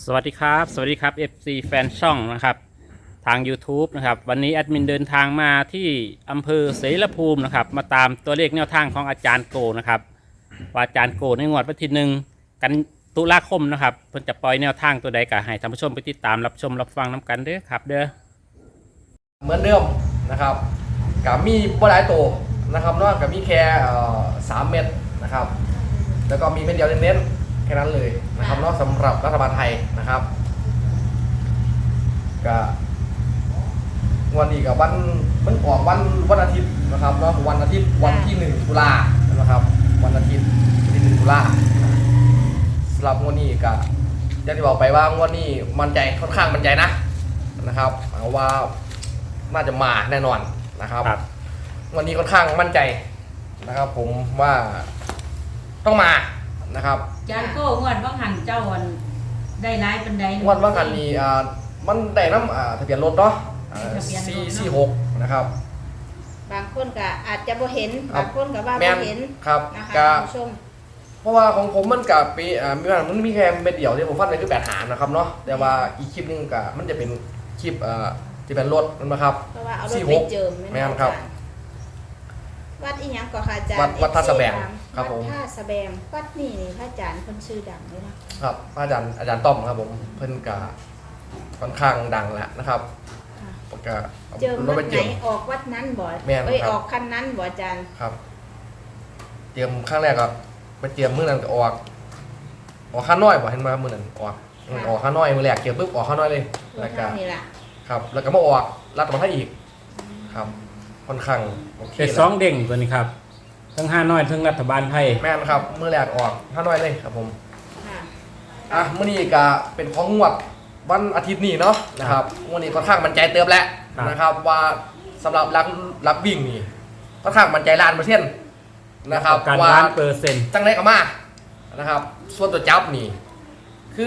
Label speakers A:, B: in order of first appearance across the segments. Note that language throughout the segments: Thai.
A: สวัสดีครับFC แฟนช่องนะครับทาง YouTube นะครับวันนี้แอดมินเดินทางมาที่อำเภอเสรภูมินะครับมาตามตัวเลขแนวทางของอาจารย์โกนะครับว่าอาจารย์โกในงวดวันที่1 กันตุลาคมนะครับเพิ่นจะปล่อยแนวทางตัวใดก็ให้ท่านผู้ชมไปติดตามรับชมรับฟังน้ำกันเด้อครับเด้อ
B: เหมือนเดิมนะครับกับมีบ่หลายตัวนะครับนอกกับมีแค่3 เม็ดนะครับแล้วก็มีเม็ดเดียวเน้นๆแค่นั้นเลยนะครับนอกสำหรับรัฐบาลไทยนะครับก็วันนี้กับมันออกวันอาทิตย์นะครับเนาะวันอาทิตย์วันที่1 ตุลานะครับวันอาทิตย์ที่1 ตุลาสำหรับงวดนี้ก็อย่างที่บอกไปว่างวดนี้มั่นใจค่อนข้างมั่นใจนะครับเอาว่าน่าจะมาแน่นอนนะครับวันนี้ค่อนข้างมั่นใจนะครับผมว่าต้องมานะครับ
C: จานโก้งวดว่าหันเจ้าวันได้ร้ายเป็นใด
B: งวดว่ากันนี่มันได้น้ำทะเบียนรถเนาะ446นะครับ
D: บางคนก็อาจจะบ่เห็นบางคนก็ว่าบ่เห็น
B: ครับ
D: นะคะท่านผู้ชม
B: เพราะว่าของผมมันกับปีมันมีแค่เม็ดเดียวที่ผมฟันไปคือ8 หารนะครับเนาะแต่ว่าอีกคลิปนึงก็มันจะเป็นคลิปที่เป็นรถนะครับ
D: เพราะว่าเอารถไปเจิม
B: แม่นครับ
D: วัดอีหยังก็ค่ะอาจารย์
B: วัดท่าสะแบงครับผม
D: วัดท่าสะแบงวัดนี่พระอาจารย์เพิ่นชื่อดังเลยนะครับ
B: อาจารย์ต้อมครับผมเพิ่นก็ค่อนข้างดังแหละนะครับก็
D: เจิมวัดไหนออกวัดนั้นบ่ออกคันนั้นบ่อาจารย์
B: ครับเตรียมครั้งแรกก็ไปเตรียมมื้อนั้นก็ออกข้าน้อยบ่เห็นมามื้อนั้นออกข้าน้อยมื้อแรกเตรียมปุ๊บออกข้าน้อยเลย
D: แล้วก็นี่ล่ะ
B: ครับแล้วก็มาออกรัฐบาลไทยอีกครับค่อนข้างโอเค
A: เป็น2 เด้งตัวนี้ครับทั้ง5น้อยทั้งรัฐบาลไทย
B: แม่นครับมื้อแรกออกข้าน้อยเลยครับผมมื้อนี้ก็เป็นของงวดวันอาทิตย์นี้เนาะนะครับวันนี้ค่อนข้างมั่นใจเติมแล้วนะครับว่าสำหรับรักวิ่งนี่ค่อนข้างมั่นใจ1,000,000%นะครับ
A: ว่า1,000,000%
B: จังไรก็มานะครับส่วนตัวจับนี่คือ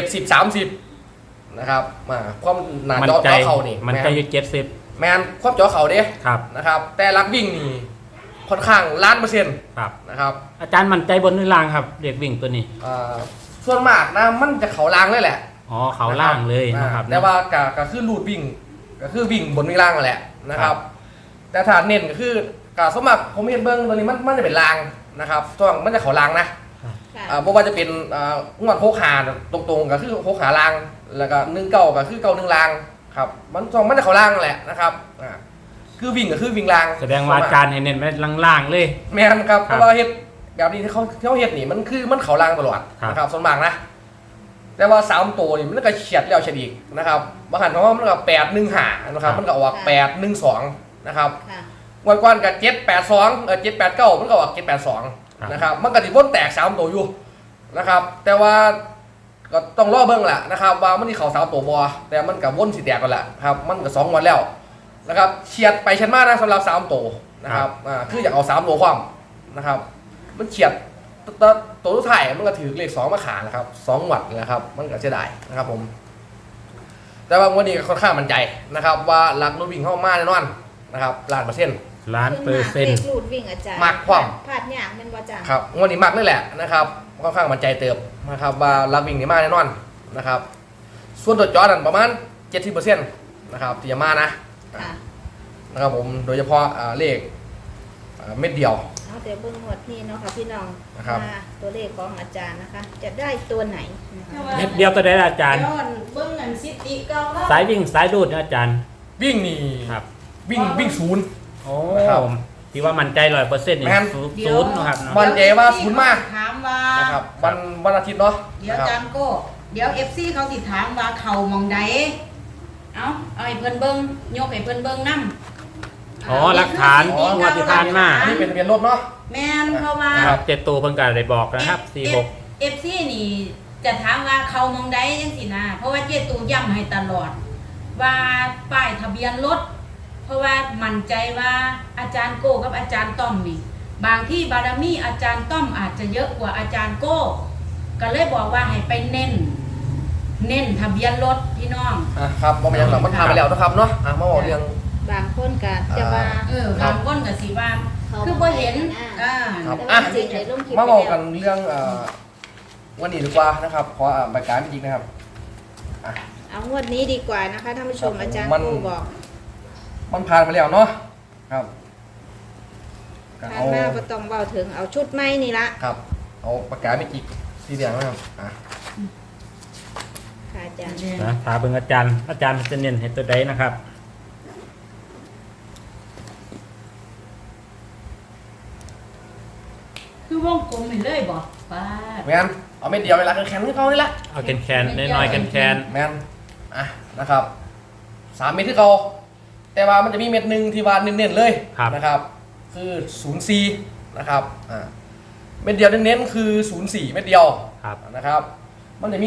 B: 70-30นะครับมาความหนาจอเขานี่
A: มันใจอยู่70
B: แมนความจอเขาเด้
A: ครับ
B: นะครับแต่รักวิ่งนี่ค่อนข้าง1,000,000%
A: ครับ
B: นะครับ
A: อาจารย์มั่นใจบนหรือล่างครับเด็กวิ่งตัวนี้
B: ส่วนมากนะมันจะเขาล่างเลยแหละ
A: อ๋อเขาล่างเลยนะครับ
B: แต่ว่าก็คือรูดวิ่งก็คือวิ่งบนวิ่งล่างนั่นแหละนะครับแต่ถ้าเน้นก็คือการสมัครผมเห็นเบิ้งตัวนี้มันจะเป็นล่างนะครับช่วงมันจะเขาล่างนะเพราะว่าจะเป็นงวดโคขาตรงๆก็คือโคขาล่างแล้วก็19ก็คือ91ล่างครับมันช่วงมันจะเขาล่างนั่นแหละนะครับคือวิ่งก็คือวิ่งล่าง
A: แสดงว่าการให้เน้นไว้ล่างๆเลย
B: แม่นครับเพราะว่าเฮ็ดแบบนี้ที่เขาเฮ็ดนี่มันคือมันเขาล่างตลอดนะครับส่วนมากนะแต่ว่า3 ตัวนี่มันก็เฉียดแล้วเฉียดอีกนะครับบางครั้งเพราะว่ามันก็8-1-5นะครับมันก็ออก8-1-2นะครับวันก่อนก็7-8-27-8-9มันก็ออก7-8-2นะครับมันก็สิวนแตก3 ตัวอยู่นะครับแต่ว่าก็ต้องรอเบิ่งแหละนะครับว่ามันสิเข้า3 ตัวบ่แต่มันก็วนสิแตกกันแหละครับมันก็2 วันแล้วนะครับเฉียดไปเฉียดมานะสำหรับ3 ตัวนะครับคืออยากเอา3 ตัวความนะครับมันเฉียดตัวสุดท้ายมันก็ถือเลข2 มาขานะครับ2 วัตต์นะครับมันก็เสียดายนะครับผมแต่ว่าวันนี้ก็ค่อนข้างมั่นใจนะครับว่าหลักรถวิ่งเข้ามาแน่นอนนะครับ
A: 1,000,000%
D: รูดวิ่งอาจารย์
B: มากความ
D: พลาดยากแม่นบ่อาจารย์
B: ครับวันนี้มากเลยแหละนะครับค่อนข้างมั่นใจเติมนะครับว่าหลักวิ่งนี่มาแน่นอนนะครับส่วนตัวจอนั่นประมาณ 70% นะครับที่จะมานะครับผมโดยเฉพาะเลขเม็ดเดียว
D: เดี๋ยวเบิ่งหมดนี่เนาะค่ะพี่น้องตัวเลขของอาจารย์นะคะจะได้ตัวไหน
A: เม็ดเดียวตัวใดอาจารย์
C: เบิ่งอันซิติเก่า
A: สายวิ่งสายดูดนะอาจารย์
B: วิ่งนี่
A: ครับ
B: วิ่ง0
A: โอ้ที่ว่ามั่นใจ100%นี่0นะครับ
B: มั่นใจว่า0มาก
C: ถามว่า
B: นะครับวันอาทิตย์เนาะ
C: เดี๋ยวอาจารย์โก้เดี๋ยว FC เขาสิถามว่าเขามองใดเอาให้เพิ่นเบิ่งยกให้เพิ่นเบิ่งนำ
A: หลักฐานงวดที่ผ่านมา
B: นี่เป็นทะเบียนรถเนาะ
C: แม่นเพราะว่า
A: 7 ตัวเพิ่นก็ได้บอกนะครับ
C: 46 FC นี่จะถามว่าเขามองใดจังซี่นะเพราะว่า7ตัวย้ำให้ตลอดว่าป้ายทะเบียนรถเพราะว่ามั่นใจว่าอาจารย์โก้กับอาจารย์ต้อมนี่บางที่บารมีอาจารย์ต้อมอาจจะเยอะกว่าอาจารย์โก้ก็เลยบอกว่าให้ไปเน้นทะเบียนรถพี่น้อง
B: ครับบ่แม่นหรอกมันทำไปแล้วนะครับเนาะมาบอกเรื่อง
D: บางคนก็จะว่า
C: บางคนก็สิว่าคือบ่เห็น
B: มาบอกกันเรื่องวันนี้ดีกว่านะครับขอใบการจริงนะครับ
D: เอางวดนี้ดีกว่านะคะท่านผู้ชม
B: ครับผม
D: อาจารย์
B: มัน
D: โก้บอก
B: มันผ่านไปแล้วเนาะครับก็
D: ผ่าน
B: เอา
D: มาบ่ต้องเบาถึงเอาชุดไม้นี่ละ
B: ครับเอาปากกาไม่จิกสีแดงนะครับ
D: ค่ะอาจารย์
A: นะถามเบิ่งอาจารย์จะเน้นให้ตัวใดนะครับ
C: คือวงกลมเห็นเลยบ่ป้า
B: แมนเอาเม็ดเดียวเวลาแข็งที่เขานี่ละ
A: เอาแคนน้อยๆแคน
B: แมนนะครับ3 เม็ดที่เขาแต่ว่ามันจะมีเม็ดหนึ่งที่ว่าเน้นๆเลยนะครับคือ04นะครับเม็ดเดียวเน้นๆคือ04เม็ดเดียว
A: ครับ
B: นะครับมันจะมี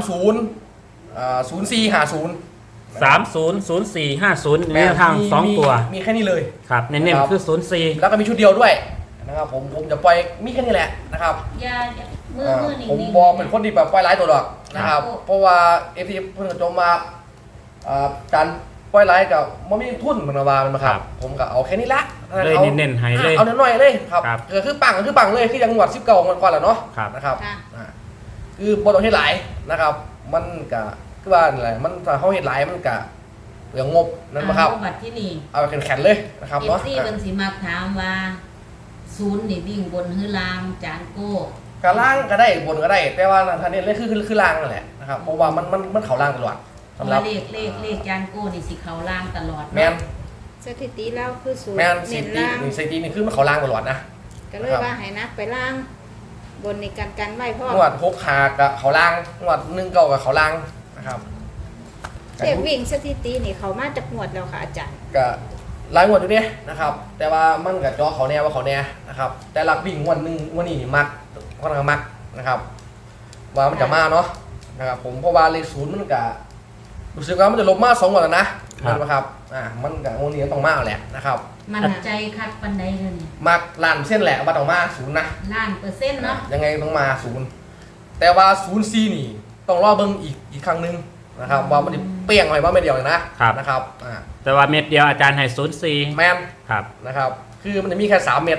B: 0450
A: 300450ในทาง2ตัว
B: มีแค่นี้เลย
A: ครับเน้นๆคือ04
B: แล้วก็มีชุดเดียวด้วยนะครับผมจะปล่อยมีแค่นี้แหละนะครับ
C: อย่ามือนิ่ง
B: ผมบอกเป็นคนที่แบบปล่อยหลายตัวดอกนะครับเพราะว่าเอฟซีเพิ่งจะจมมาการปล่อยหลายกับมันไม่มีทุนเหมือนว่ามันครับผมก็เอาแค่นี้ละ
A: เลยเน้นๆให้เลย
B: เอาหน่อยๆเลยครับ
A: ครับ
B: คือปังเลยคือยังหวัด19ก่อนแหละเนาะ
A: ครับ
B: นะครับ
D: ค่ะ
B: คือบอต้องเฮ็ดหลายนะครับ มันก็คือว่าอะไรมันถ้าเขาเฮ็ดหลายมันก็เปลืองงบนั่นปะครับ
C: บัตรที่นี่
B: เอาแข็งๆเลยนะครับ
C: เอฟ
B: เนาะ
C: ซีเพิ่นสิมาถามว่าศูนย์นี่วิ่งบนหรือล่างจานโก้
B: กล่างก็ได้บนก็ได้ แต่ว่าทางนี้เลยคือล่างนั่นแหละนะครับเพราะว่ามันเขาล่างตลอด
C: เพ
B: สำ
C: ราะ
B: หรั
C: ว่า
B: บ
C: เลขจานโก้นี่สิเขาล่างตลอด
B: แมน
D: สถิติแล้วคือศูนย์
B: แมน
D: เน้
B: ซิ
D: น
B: ตี้
D: ล่าง
B: นี่ซิตี้นี่คือมันเขาล่างตลอดนะ
D: ก็เลยว่าให้นักไปล่าง บนในกันไว้พ่อ
B: งวด6 ขากับเขาล่างงวด1 9กับเขาล่างนะครับ
D: เรียกวิ่งสถิตินี่เขามาจากงวดแล้วค่ะอาจารย์
B: ก็หลายงวดอยู่เนี่ยนะครับ แต่ว่ามันกับจอเขาแน่ว่าเขาแน่นะครับ แต่หลักวิ่งงวดนึงงวดนี้นี่มักค่อนข้างมักนะครับ ว่ามันจะมาเนาะนะครับผมเพราะว่าเลข0มันก็รู้สึกว่ามันจะลบมา2 งวดแล้วนะเห็นไหมครับมันกับงวดนี้ต้องมาแหละนะครับ
C: มันใจคักปันใดเลยนี่
B: มักล้านเส้นแหละว่าต้องมา0นะ
C: ล้านเปอร์เซ็นต์เนาะ
B: ยังไงต้องมา0แต่ว่า04นี่ต้องรอเบิ่งอีกครั้งหนึงนะครับว่ามันจะเปรี้ยงอะไรบ้างไม่เดียวเลยนะครับ
A: แต่ว่าเม็ดเดียวอาจารย์ให้04
B: แมน
A: ครับ
B: นะครับคือมันจะมีแค่3 เม็ด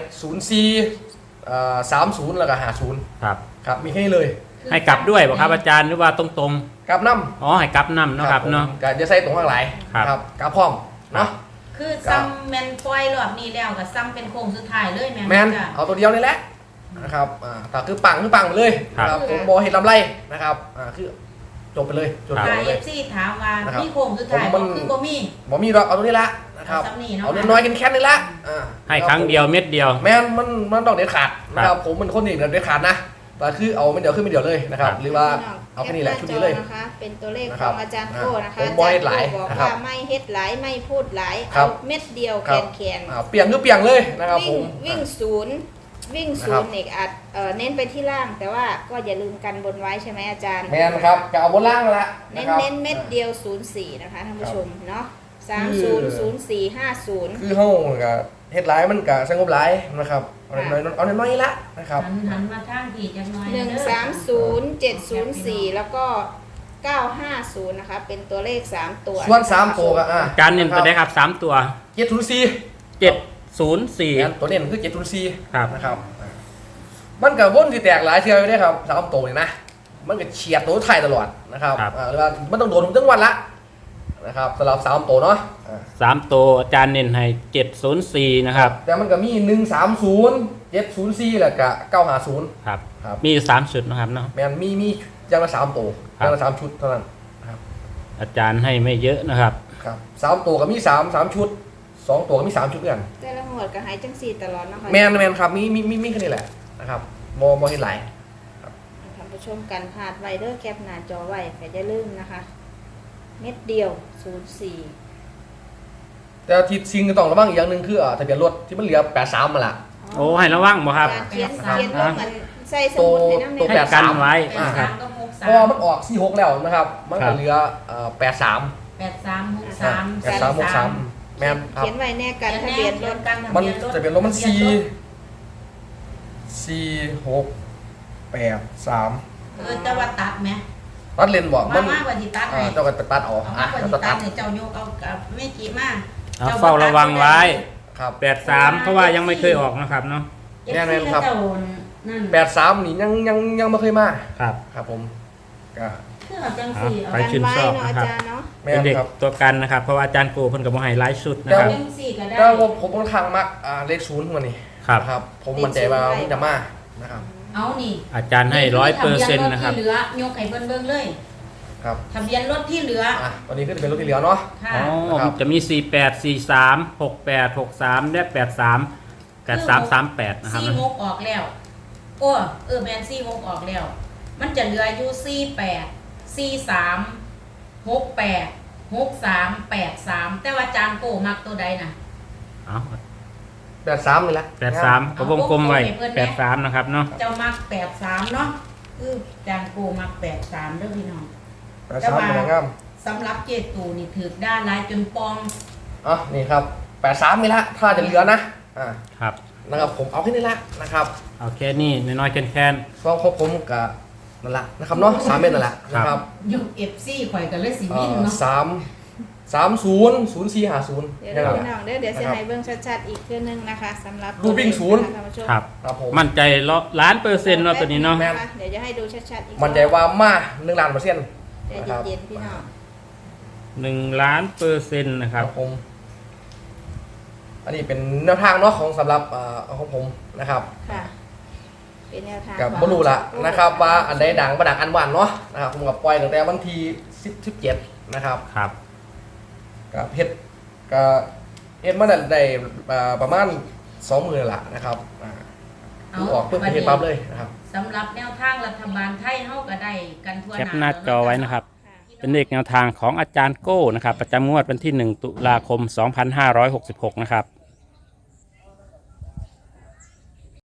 B: 04 30แล้วก็50
A: ครับ
B: ครับมีแค่นี้เลย
A: ให้กลับด้วยบ่ครับอาจารย์หรือว่าตรง
B: กลับน้
A: ๆอ๋อให้กลับนำ
B: ำ
A: เนาะครับเนาะ
B: ผมก็จะใส่ตรงข้างหลาย
A: ครับ
B: นะครับกลับพร้อมเนาะ
C: คือซ้ำแมนปล่อยรอบนี้แล้วก็ซ้ำเป็นโค้งสุดท้ายเลยแม่
B: แมน
C: จ้ะ
B: เอาตัวเดียวนี่แหละนะครับแต่คือปังไปเลยนะครับผมบอเห็นลำไรนะครับคือจบไปเลยจบ
C: ถ้า
B: ไป
C: เอ
B: เลย
C: ฟซีถามว่า
B: นะครับ
C: มีโค้งสุดท้าย
B: ผมมั
C: บ่
B: น
C: คือบ่มี
B: บอมีหรอกเอาตัวนี้ละนะครับ
C: เอาซ้ำนี่เนาะ
B: เอาน้อยๆกันแค่นี้ละ
A: ให้ครั้งเดียวเม็ดเดียว
B: แมนมันต้องเด็ดขาดนะครับผมเป็นคนหนึ่งเด็ดขาดนะแต่คือเอาไม่เดียวขึ้นไม่เดียวเลยนะครับ หรือว่าเอาแค่นี้แหละชุดนี้เลย
D: นะคะ เป็นตัวเลข
B: นะ
D: ข
B: ครั
D: อบ งอาจารย์โก้นะคะ
B: ผม
D: อา
B: บ่
D: จาร
B: เฮ็
D: ย์
B: ดหลาย
D: โก้บอก
B: นะครับ
D: ว่าไม่เฮ็ดหลายไม่พูดหลาย
B: ครั
D: เอา
B: บ
D: เม็ดเดียว
B: ครับ
D: แขน
B: เปลี่ยนคือเปลี่ยนเลยนะครับผ
D: วิ่ง
B: ม
D: วิ่งศูนย์วิ่ง
B: นะ
D: ศู
B: ครับ
D: นย์เนี่ยอาจเน้นไปที่ล่าง แต่ว่าก็อย่าลืมกันบนไว้ใช่ไหมอาจารย์
B: แมนครับจะเอาบนล่างละ
D: เน้
B: นะ
D: น
B: ครับ
D: เน้นเม็ดเดียว 04 นะคะท่านผู้ชมเนาะ
B: คือ
D: 300450
B: คือเฮาก็เฮ็ดหลายมันก็สงบหลายนะครับเอาน้อยๆละนะครับ
C: หันมาทางที่จักหน่อย
D: 130704 แล้วก็ 950 นะคะ เป็นตัวเลข 3 ตัว
B: ส่วน3ตัวก็
A: อาจารย์เน้นตัวใดครับ3ตัว
B: 704
A: 704
B: ตัวเน้นคือ704
A: ครับ
B: นะครับมันก็วนสิแตกหลายเทื่ออยู่เด้ครับ3ตัวนี่นะมันก็เฉียดตัวไทยตลอดนะครับหรือว่ามันต้องโดนผมทั้งวันละนะครับสำหรับ3ตัวเนาะ
A: 3ตัวอาจารย์เน้นให้704นะครับ
B: แต่มันก็มี130 704แล้วก็950
A: ครับ
B: ครับ
A: มีอยู่3ชุดนะครับเนาะ
B: แม่นมีอย่างละ3ตัว
A: ครับ
B: อย่างละ3ชุดเท่านั้นนะครับ
A: อาจารย์ให้ไม่เยอะนะครับ
B: ครับ3ตัวก็มี3ชุด2ตัวก็มี3ชุดเหมือนกัน
D: แต่ละหมวดก็หายจังสี่ตลอดนะคะ
B: แมนครับมีแค่นี้แหละนะครับบ่เห็นหลาย
D: ท่านผู้ชมกันพลาดไวเดอร์แคปหน้าจอไว้แต่อย่าลืมนะคะ เม็ดเดียว 04
B: แต่ที่ซิงก็ต้องระวังอีกอย่างหนึงคือทะเบียนรถที่มันเหลือ83มาละ
A: โอ้ให้ระวังบ่ครับ
D: เขียนลงมันใส่สมุดให้น้ำ
B: ตัว
D: เน็
A: ให้กันไว้
C: แปด
A: ครั
C: สา
A: บ
C: มกับหก
B: เพ
C: สาม
B: ราะว่ามันออก46แล้วนะครับ มัน
A: ครั
B: ก็
A: บ
B: เหลือ83
C: 8363
B: แม่นครับ
D: เขียนไว้แน่กันทะเบียนรถ
B: มันทะเบียนรถมัน4 6 8 3
C: แต่ว่าตัดไหม
B: ตัดเลนบ่มัน
C: มากกว่าที่ตัดให้
B: เจ้าก็ตัดเอา
C: เอามากกว่าที่
B: ตั
C: ตั
B: ด
C: ดเนี่ยเจ้ายกเอากับไม่กี่มาก
A: เอาเฝ้าระวังไว้
B: ครับ
A: 83เพราะว่ายังไม่เคยออกนะครับเนาะ
B: แน่นอนครับ
C: เจ้านั่น
B: 83นี่ยังไม่เคยมา
A: ครับ
B: ครับผมก็
C: คือเอาจังสี่เอา
A: ไปชื่นชอบ
D: เนาะ
A: นะ
D: อา
A: ครับ
D: จารย์เนาะ
B: แม่
A: เป็น
B: น
A: เด็ก
B: ครับ
A: ตัวกันนะครับ เพราะว่าอาจารย์โกเพิ่นกับโมไฮไลฟ์ชุดนะค
C: เอา
A: รับ
C: จังสี่ก็ได้
B: แต่ว่าผมค่อนข้างมักเลข0มานี่
A: ครับ
B: นะครับ ผมมั่นใจว่ามันจะมานะครับ
C: เอานี่
A: อาจารย์ให้100%นะครับ
C: ทะเบียนรถที่เหลือยกให้เบิ่งเบิ่งเลย
B: ครับ
C: ทะเบียนรถที่เหลือ
B: ตอนนี้ก็จะเป็นรถที่เหลือเนาะ
C: ค่ะ
A: อ๋อ
B: ครับ
A: จะมี 48 43 68 63 และ 83 83 38 นะครับ
C: ซี่หกออกแล้ว โอ้แมนซี่หกออกแล้ว มันจะเหลืออยู่48 43 68 63 83แต่ว่าจานโกมักตัวใดน่ะ
A: เอา
B: 83นี่แหละ
A: 83ก็วงกลมไว้83นะครับเนาะ
C: เจ้ามัก83เนาะคือจานโกมัก83เด้อพี่น้อง
B: 83เป็นงาม
C: สำหรับเจตูนี่ถือด้านลายจนปอง
B: นี่ครับ83นี่ละถ้าจะเหลือนะ
A: ครับ
B: นะครับผมเอาแค่นี้ละนะครับ
A: เอาแค่นี้น้อยๆแคน
B: ฟ้องครบผมกับนั่นละนะครับเนาะ3เม็ดนั่นแหละนะครับ
C: ยกเอฟซีข่อยกันเลยสิวินเนาะ
B: 30 0450
D: เดี๋ยวเราพี่น้องเดี๋ยวจะให้เบิ่งชัดๆอีกเทื่อนึงนะคะสำหรับ
B: รูปวิ่งศูนย์
D: ท่านผู้ชม
A: ๆครับ
B: ครับผม
A: มั่นใจ1,000,000%ว่าตัวนี้เนาะ
B: แม่น
D: เดี๋ยวจะให้ดูชัดๆอีก
B: มันใจว่ามา1ล้านเปอร์เซ็นต์
D: ใจเย็นๆพี่น้อง
A: 1,000,000%นะครับ
B: ผมอันนี้เป็นแนวทางเนาะของสำหรับของผมนะครับ
D: ค่ะ เป็นแนวทาง
B: กับบรูละนะครับว่าอันใดดังประดังอันหวานเนาะนะครับผมกับปล่อยตั้งแต่วันที่17นะครับ
A: ครับ
B: กับเฮ็ดมาได้ประมาณ20,000ละนะครับออกเพิ่งเฮ็ดปั๊บเลยนะครับ
C: สำหรับแนวทางรัฐบาลไทยเฮาก็ได้กันทั่ว
A: แคปหน้าจอไว้นะครับ
D: ค่ะ
A: เป็นเลขแนวทางของอาจารย์โก้นะครับ ประจำงวดวันที่ 1 ตุลาคม 2566 นะครับ